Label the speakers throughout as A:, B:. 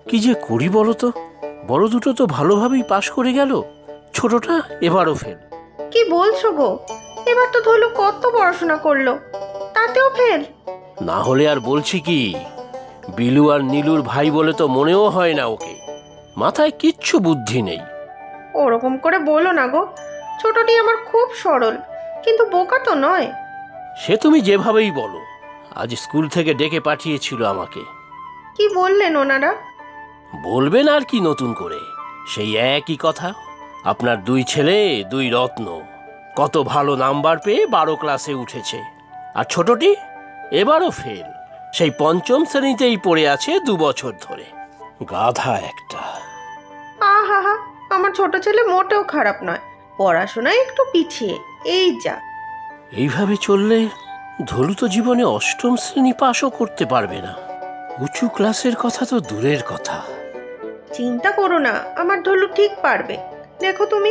A: কি যে করি বলো তো, বড় দুটো তো ভালোভাবেই পাশ করে গেল, ছোটটা এবারও ফেল।
B: কি বলছো গো? এবার তো ধলু কত পড়াশোনা করলো, তাতেও ফেল?
A: না হলে আর বলছি কি, বিলু আর নীলুর ভাই বলে তো মনেও হয় না ওকে, মাথায় কিচ্ছু বুদ্ধি নেই।
B: ওরকম করে বলো না গো, ছোটটি আমার খুব সরল, কিন্তু বোকা তো নয়।
A: সে তুমি যেভাবেই বলো, আজ স্কুল থেকে ডেকে পাঠিয়েছিল আমাকে।
B: কি বললেন ওনারা?
A: বলবেন আর কি নতুন করে, সেই একই কথা। আপনার দুই ছেলে দুই রত্ন, কত ভালো নাম্বার পেয়ে 12 ক্লাসে উঠেছে, আর ছোটটি এবারও ফেল, সেই পঞ্চম শ্রেণীতেই পড়ে আছে 2 বছর ধরে। গাধা একটা।
B: আহা হা, আমার ছোট ছেলে মোটেও খারাপ নয়, পড়াশোনায় একটু পিছিয়ে, এই যা।
A: এইভাবে চললে ধলু তো জীবনে 8ম শ্রেণী পাশও করতে পারবে না, উঁচু ক্লাসের কথা তো দূরের কথা।
B: চিন্তা করো না, আমার ধলু ঠিক পারবে, দেখো তুমি।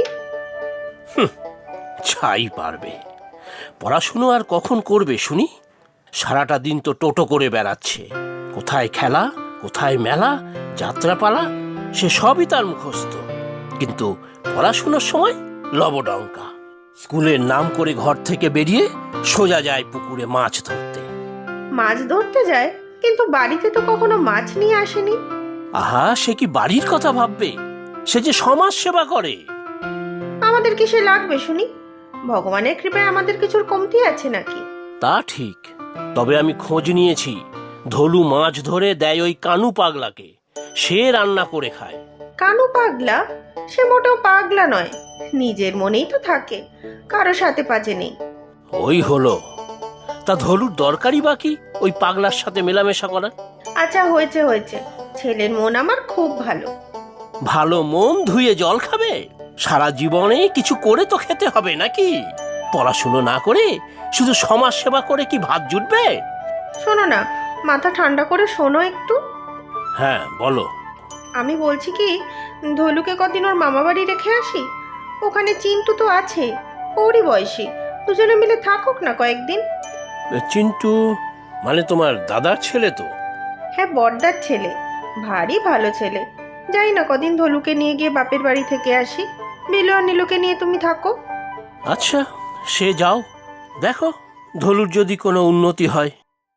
A: ছাই পারবে, পড়াশুনো আর কখন করবে শুনি? সারাটা দিন তো টোটো করে বেড়াচ্ছে, কোথায় খেলা, কোথায় মেলা, যাত্রাপালা, সে সবই তার মুখস্থ, কিন্তু পড়াশুনোর সময় লবডঙ্কা। স্কুলের নাম করে ঘর থেকে বেরিয়ে সোজা যায় পুকুরে মাছ ধরতে।
B: মাছ ধরতে যায়, কিন্তু বাড়িতে তো কখনো মাছ নিয়ে আসেনি।
A: আহা, সে কি বাড়ির কথা ভাববে? সে যে সমাজ সেবা করে।
B: আমাদের কিসে লাগবে শুনি? ভগবানের কৃপায় আমাদের কিছুর কমতি আছে নাকি?
A: তা ঠিক, তবে আমি খোঁজ নিয়েছি, ধলু মাছ ধরে দেয় ওই কানু পাগলাকে, সে রান্না করে খায়।
B: কানু পাগলা? সে মোটেও পাগলা নয়, নিজের মনেই তো থাকে, কারো সাথে পাচে নেই।
A: ওই হলো, তা ধলুর দরকারই বাকি ওই পাগলার সাথে মেলামেশা করার?
B: আচ্ছা হয়েছে হয়েছে, ছেলের মন আমার খুব ভালো।
A: ভালো মন ধুয়ে জল খাবে? সারা জীবনে কিছু করে তো খেতে হবে নাকি? পড়াশুনো না করে শুধু সমাজ সেবা করে কি ভাত জুটবে?
B: শোনো না, মাথা ঠান্ডা করে শোনো একটু।
A: হ্যাঁ বলো।
B: আমি বলছি কি, ধলুকে কদিন ওর মামা বাড়ি রেখে আসি, ওখানে চিন্টু তো আছে, ওরই বয়সী, দুজনে মিলে থাকুক না কয়েকদিন।
A: চিন্টু মানে তোমার দাদার ছেলে তো?
B: হ্যাঁ, বড়দার ছেলে, ভারী ভালো ছেলে। যাই না কদিন ধলুকে নিয়ে গিয়ে বাপের বাড়ি থেকে আসি, বিলু আর নীলুকে নিয়ে তুমি থাকো।
A: আচ্ছা, সে যাও, দেখো ধলুর যদি কোনো উন্নতি হয়।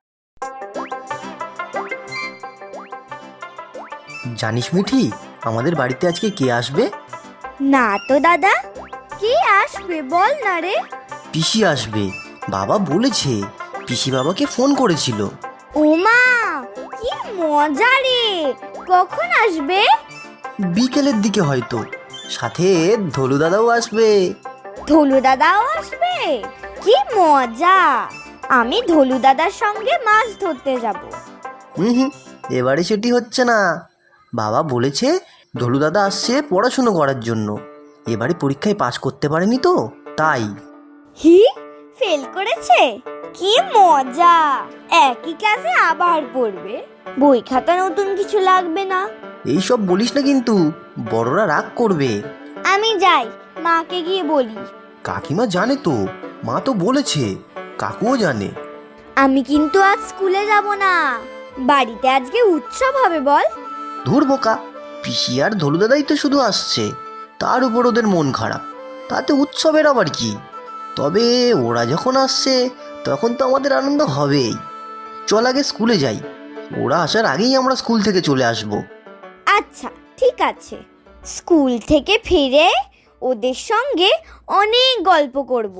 C: জানিস মিঠি, আমাদের বাড়িতে আজকে কে আসবে?
D: না তো দাদা, কি আসবে বল না রে।
C: পিসি আসবে, বাবা বলেছে। পিসি বাবাকে ফোন করেছিল।
D: ওমা, কি মজা রে! কখন আসবে?
C: বিকেলের দিকে হয়তো, সাথে ধলু দাদাও আসবে।
D: ধলু দাদাও আসবে? কি মজা! আমি ধলু দাদার সঙ্গে মাছ ধরতে যাব।
C: হুম, এবারে সেটি হচ্ছে না। বাবা বলেছে ধলু দাদা আসছে পড়াশুনো করার জন্য, এবারে পরীক্ষায় পাশ করতে পারেনি তো তাই।
D: হি, ফেল করেছে? কি মজা! একই ক্লাসে আবার পড়বে, বই খাতা নতুন কিছু লাগবে না।
C: এইসব বলিস না কিন্তু, বড়রা রাগ করবে।
D: আমি যাই, মাকে গিয়ে বলি।
C: কাকিমা জানে তো, মা তো বলেছে, কাকুও জানে।
D: আমি কিন্তু আজ স্কুলে যাব না, বাড়িতে আজকে উৎসব হবে বল।
C: ধুর বোকা, পিসি আর ধলু দাদাই তো শুধু আসছে, তার উপর ওদের মন খারাপ, তাতে উৎসবের আবার কি? তবে ওরা যখন আসছে তখন তো আমাদের আনন্দ হবেই। চল আগে স্কুলে যাই, ওরা আসার আগেই আমরা স্কুল থেকে চলে আসব।
D: আচ্ছা ঠিক আছে, স্কুল থেকে ফিরে ওদের সঙ্গে অনেক গল্প করব।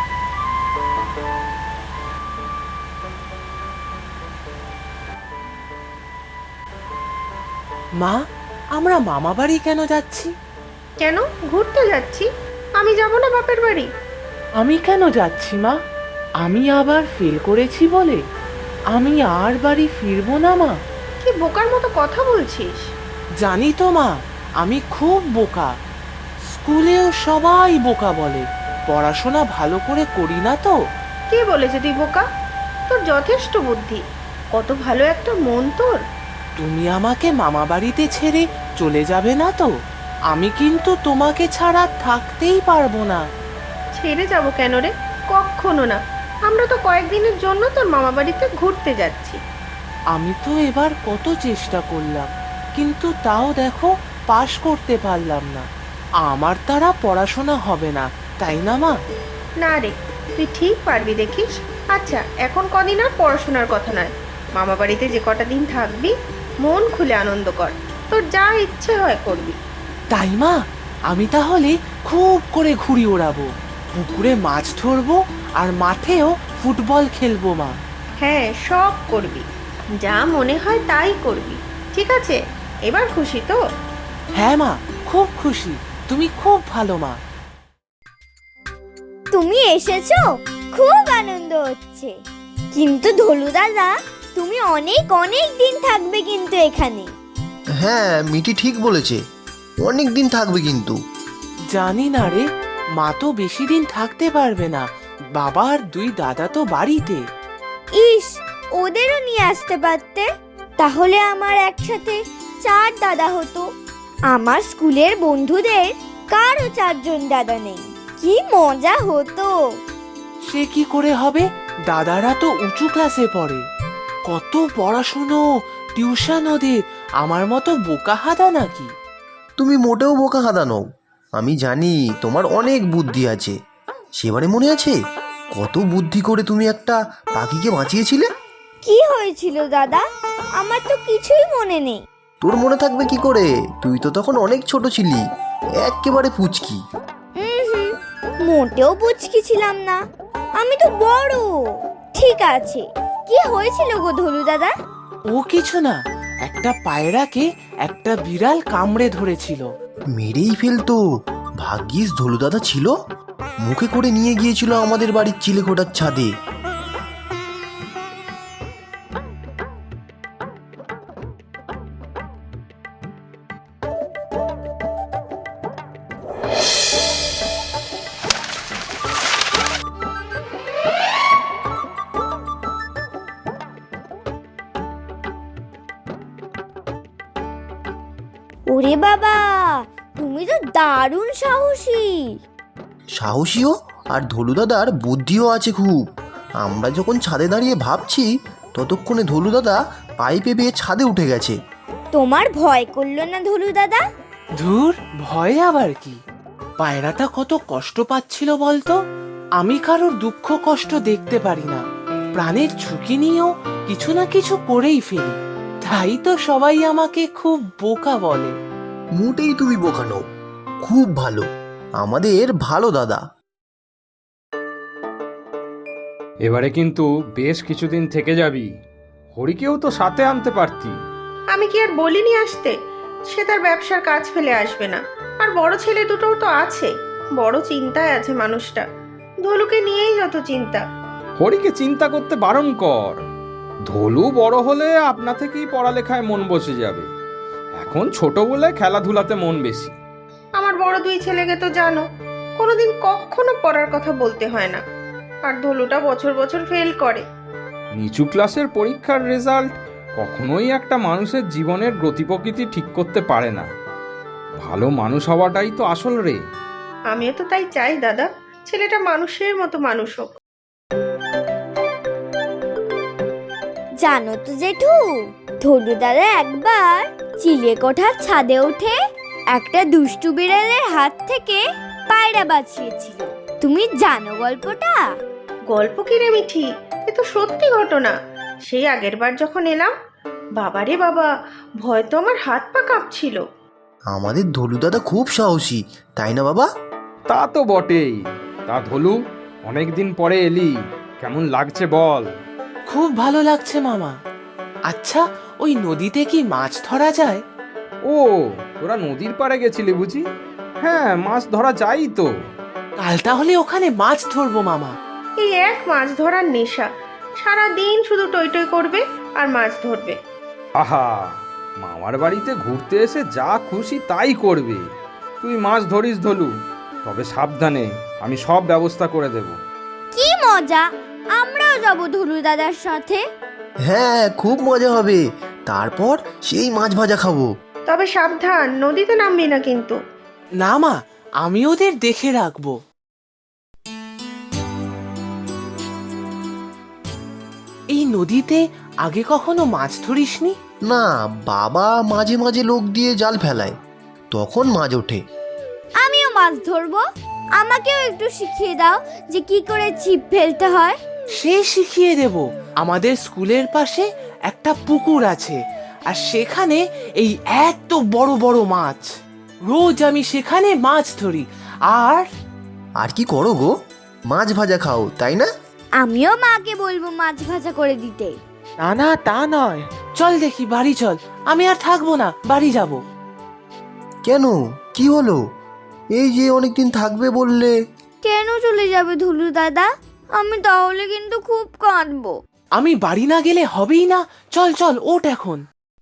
E: মা, আমরা মামা বাড়ি কেন যাচ্ছি?
B: কেন ঘুরতে যাচ্ছি? আমি যাব না বাপের বাড়ি?
E: আমি কেন যাচ্ছি মা? আমি আবার ফেল করেছি বলে আমি আর বাড়ি ফিরবো না মা।
B: কি বোকার মতো কথা বলছিস?
E: জানি তো মা, আমি খুব বোকা। স্কুলেও সবাই বোকা বলে, পড়াশোনা ভালো করে করি না তো।
B: কে বলেছে তুই বোকা? তোর যথেষ্ট বুদ্ধি, কত ভালো একটা মন তোর।
E: তুমি আমাকে মামা বাড়িতে ছেড়ে চলে যাবে না তো? আমি কিন্তু তোমাকে ছাড়া থাকতেই পারবো না।
B: ছেড়ে যাব কেন রে? কখনো না, আমরা তো কয়েকদিনের জন্য তোর মামা বাড়িতে ঘুরতে যাচ্ছি।
E: আমি তো এবার কত চেষ্টা করলাম, কিন্তু তাও দেখো পাশ করতে পারলাম না। আমার দ্বারা পড়াশোনা হবে না, তাই না মা?
B: না রে, তুই ঠিক পারবি দেখিস। আচ্ছা, এখন কদিন আর পড়াশোনার কথা নয়, মামা বাড়িতে যে কটা দিন থাকবি মন খুলে আনন্দ কর, তোর যা ইচ্ছে হয় করবি।
E: তাই মা, আমি তাহলে খুব করে ঘুড়ি ওড়াবো, পুকুরে মাছ ধরবো, আর মাঠেও ফুটবল খেলবো মা।
B: হ্যাঁ, সব করবি, যা মনে হয় তাই করবি। ঠিক আছে, এবার খুশি তো?
E: হ্যাঁ মা, খুব খুশি, তুমি খুব ভালো মা।
D: তুমি এসেছো, খুব আনন্দ হচ্ছে। কিন্তু ধলু দাদা, তুমি অনেক অনেক দিন থাকবে কিন্তু এখানে।
C: হ্যাঁ, মিটি ঠিক বলেছে, অনেক দিন থাকবে কিন্তু।
E: জানি না রে, মা তো বেশি দিন থাকতে পারবে না, বাবা আর দুই দাদা তো বাড়িতে।
D: ইস, ওদেরও নিয়ে আসতে পারতে, তাহলে আমার একসাথে 4 দাদা হতো। আমার স্কুলের বন্ধুদের কারো 4 জন দাদা নেই, কি মজা হতো।
E: সে কি করে হবে, দাদারা তো উঁচু ক্লাসে পড়ে। কত পড়াশুনো, টিউশন ওদের, আমার মতো বোকা হাদা নাকি?
C: তুমি মোটেও বোকা হাদা নও, আমি জানি তোমার অনেক বুদ্ধি আছে। সেবারে মনে আছে কত বুদ্ধি করে তুমি একটা পাখিকে বাঁচিয়েছিলে?
D: কি হয়েছিল দাদা, আমার তো কিছুই মনে নেই।
C: তোর মনে থাকবে কি করে, তুই তো তখন অনেক ছোট ছিলি, একেবারে পুচকি।
D: হুম, মোটেও পুচকি ছিলাম না, আমি তো বড়। ঠিক আছে, কি হয়েছিল গো ধলু দাদা?
E: ও কিছু না, একটা পায়রাকে একটা বিড়াল কামড়ে ধরেছিল।
C: মেরেই ফেলতো, ভাগ্যিস ধলুদাদা ছিল, মুখে করে নিয়ে গিয়েছিল আমাদের বাড়ির চিলেকোঠার ছাদে।
D: ওরে বাবা, তুমি তো দারুণ সাহসী।
C: সাহসীও আর ধলুদাদার বুদ্ধিও আছে খুব। আমরা যখন ছাদে দাঁড়িয়ে ভাবছি, ততক্ষণে ধলুদাদা পাইপে বেয়ে ছাদে উঠে গেছে।
D: তোমার ভয় করলো না ধলু দাদা?
E: ধুর, ভয় আবার কি, পায়রাটা কত কষ্ট পাচ্ছিল বলতো। আমি কারোর দুঃখ কষ্ট দেখতে পারি না, প্রাণের ঝুঁকি নিয়েও কিছু না কিছু করেই ফেলি, তাই তো সবাই আমাকে খুব বোকা বলে।
C: মোটেই তুমি বোকা নও, খুব ভালো, আমাদের ভালো দাদা।
F: এবারে কিন্তু বেশ কিছুদিন থেকে যাবি, হরিকেও তো সাথে আনতে পারতি।
B: আমি কি আর বলিনি আসতে? সে তার ব্যবসার কাজ ফেলে আসবে না, আর বড় ছেলে দুটোও তো আছে। বড় চিন্তায় আছে মানুষটা, ধলুকে নিয়েই যত চিন্তা।
F: হরিকে চিন্তা করতে বারণ কর, ধলু বড় হলে আপনা থেকেই পড়ালেখায় মন বসে যাবে, এখন ছোট বলে খেলাধুলাতে মন বেশি।
B: আমার বড় 2 ছেলেকে তো জানো, কোনোদিন কখনো পড়ার কথা বলতে হয় না, আর ধলুটা বছর বছর ফেল করে।
F: নিচু ক্লাসের পরীক্ষার রেজাল্ট কখনোই একটা মানুষের জীবনের গতি প্রকৃতি ঠিক করতে পারে না। ভালো মানুষ হওয়াটাই তো আসল রে।
B: আমিও তো তাই চাই দাদা, ছেলেটা মানুষের মতো মানুষ হোক।
D: জানো তো জেঠু, ধলু দাদা একবার চিলেকোঠার ছাদে উঠে একটা দুষ্টু বিড়ালের হাত থেকে পায়রা বাঁচিয়েছিল। তুমি জানো গল্পটা?
B: গল্প কি রে মিঠি, এ তো সত্যি ঘটনা। সেই আগের বার যখন এলাম, বাবারে বাবা, ভয় তো আমার হাত পা কাঁপছিল।
C: আমাদের ধলুদাদা খুব সাহসী, তাই না বাবা?
F: তা তো বটেই। তা ধলু, অনেকদিন পরে এলি, কেমন লাগছে বল?
E: খুব ভালো লাগছে মামা। আচ্ছা, ওই নদীতে কি মাছ ধরা যায়?
F: ও, তোরা নদীর পাড়ে গেছিলি বুঝি? হ্যাঁ, মাছ ধরা যায়ই তো।
E: কাল তাহলে ওখানে মাছ ধরবো মামা।
B: এই এক মাছ ধরার নেশা, সারা দিন শুধু টই টই করবে আর মাছ ধরবে।
F: আহা, মামার বাড়িতে ঘুরতে এসে যা খুশি তাই করবে। তুই মাছ ধরিস ধলু, তবে সাবধানে, আমি সব ব্যবস্থা করে দেব।
D: কি মজা, আমরাও যাব ধলু দাদার সাথে।
C: হ্যাঁ, খুব মজা হবে, তারপর সেই মাছ ভাজা খাবো।
B: তবে সাবধান, নদীতে নামবি না কিন্তু।
E: না মা, আমি ওদের দেখে রাখবো। এই নদীতে আগে কখনো মাছ ধরিসনি?
C: না, বাবা মাঝে মাঝে লোক দিয়ে জাল ফেলায়, তখন মাছ ওঠে।
D: আমিও মাছ ধরবো, আমাকেও একটু শিখিয়ে দাও যে কি করে ছিপ ফেলতে হয়।
E: সে শিখিয়ে দেব। আমাদের স্কুলের পাশে একটা পুকুর আছে, আর সেখানে এই এত বড় বড় মাছ। রোজ আমি সেখানে মাছ ধরি। আর
C: আর কি করো গো? মাছ ভাজা খাও, তাই না?
D: আমিও মাকে বলবো মাছ ভাজা করে দিতে।
E: না না, তা নয়। চল দেখি, বাড়ি চল। আমি আর থাকবো না, বাড়ি যাব।
C: কেন, কি হলো? এই যে অনেকদিন থাকবে বললে।
D: কেন চলে যাবে ধুলু দাদা? আমি তাহলে কিন্তু খুব কাঁদবো।
E: আমি বাড়ি না গেলে হবেই না। চল চল, ওঠ এখন।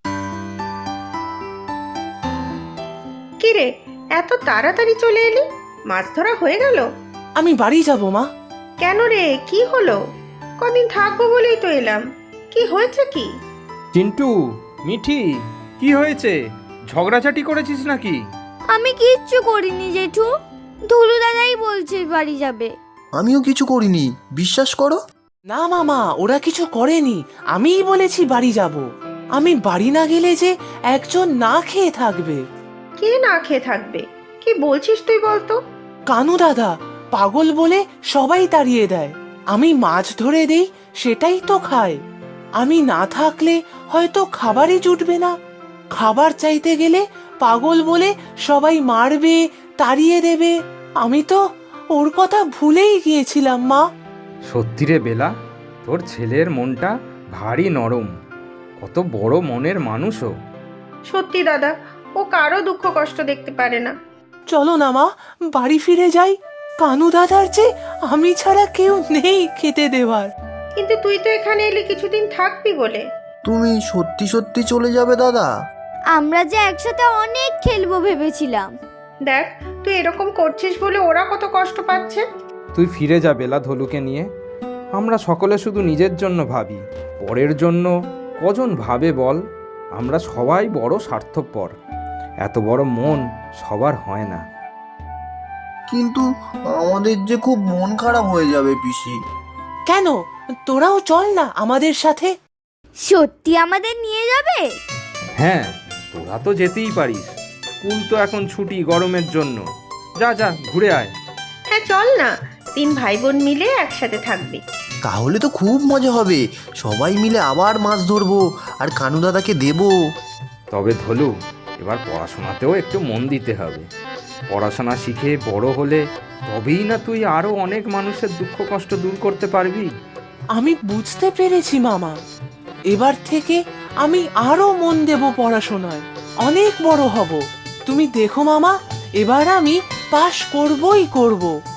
B: কি রে, এত তাড়াতাড়ি চলে এলি? মাছ ধরা হয়ে গেল?
E: আমি বাড়ি যাব মা।
B: কেন রে, কি হলো? কদিন থাকবো বলেই তো এলাম। কি হয়েছে কি?
F: চিন্টু, মিঠি, কি হয়েছে? ঝগড়াঝাটি করেছিস নাকি?
D: আমি কিচ্ছু করিনি জেঠু, ধুলু দাদাই বলছে বাড়ি যাবে।
C: আমিও কিছু করিনি, বিশ্বাস করো।
E: না মামা, ওরা কিছু করেনি। আমিই বলেছি বাড়ি যাব। আমি বাড়ি না গেলে যে একজন না খেয়ে থাকবে।
B: কে না খেয়ে থাকবে? কি বলছিস তুই বলতো?
E: কানু দাদা পাগল বলে সবাই তাড়িয়ে দেয়। আমি মাছ ধরে দেই, সেটাই তো খায়। আমি না থাকলে হয়তো খাবারই জুটবে না। খাবার চাইতে গেলে পাগল বলে সবাই মারবে, তাড়িয়ে দেবে। আমি তো ওর কথা ভুলেই গিয়েছিলাম মা।
F: সত্যি রে বেলা, তোর ছেলের মনটা ভারী নরম। কত বড় মনের মানুষও।
B: সত্যি দাদা, ও কারো দুঃখ কষ্ট দেখতে পারে না।
E: চলো না মা, বাড়ি ফিরে যাই। কানু দাদার যে আমি ছাড়া কেউ নেই খেতে দেওয়ার।
B: কিন্তু তুই তো এখানে এলি কিছুদিন থাকবি বলে।
C: তুমি সত্যি সত্যি চলে যাবে দাদা?
D: আমরা যে একসাথে অনেক খেলবো ভেবেছিলাম।
B: দেখ, তুই এরকম করছিস বলে ওরা কত কষ্ট পাচ্ছে।
F: তুই ফিরে যা বেলা, ধলুকে নিয়ে। আমরা সকলে শুধু নিজের জন্য ভাবি, পরের জন্য কজন ভাবে বল? আমরা সবাই বড় স্বার্থপর। এত বড় মন সবার হয় না।
C: কিন্তু আমাদের যে খুব মন খারাপ হয়ে যাবে পিসি।
E: কেন, তোরাও চল না আমাদের সাথে।
D: সত্যি আমাদের নিয়ে যাবে?
F: হ্যাঁ, তোরা তো যেতেই পারিস। স্কুল তো এখন ছুটি গরমের জন্য। যা যা, ঘুরে আয়।
B: হ্যাঁ চল না, 3 ভাই বোন মিলে একসাথে থাকবি।
C: তাহলে তো খুব মজা হবে, সবাই মিলে আবার মাছ ধরবো আর কানু দাদাকে দেবো।
F: তবে ধলু, এবার পড়াশোনাতেও একটু মন দিতে হবে। পড়াশোনা শিখে বড় হলে তবেই না তুই আরো অনেক মানুষের দুঃখ কষ্ট দূর করতে পারবি।
E: আমি বুঝতে পেরেছি মামা। এবার থেকে আমি আরো মন দেব পড়াশোনায়, অনেক বড় হব। তুমি দেখো মামা, এবার আমি পাশ করবই করব।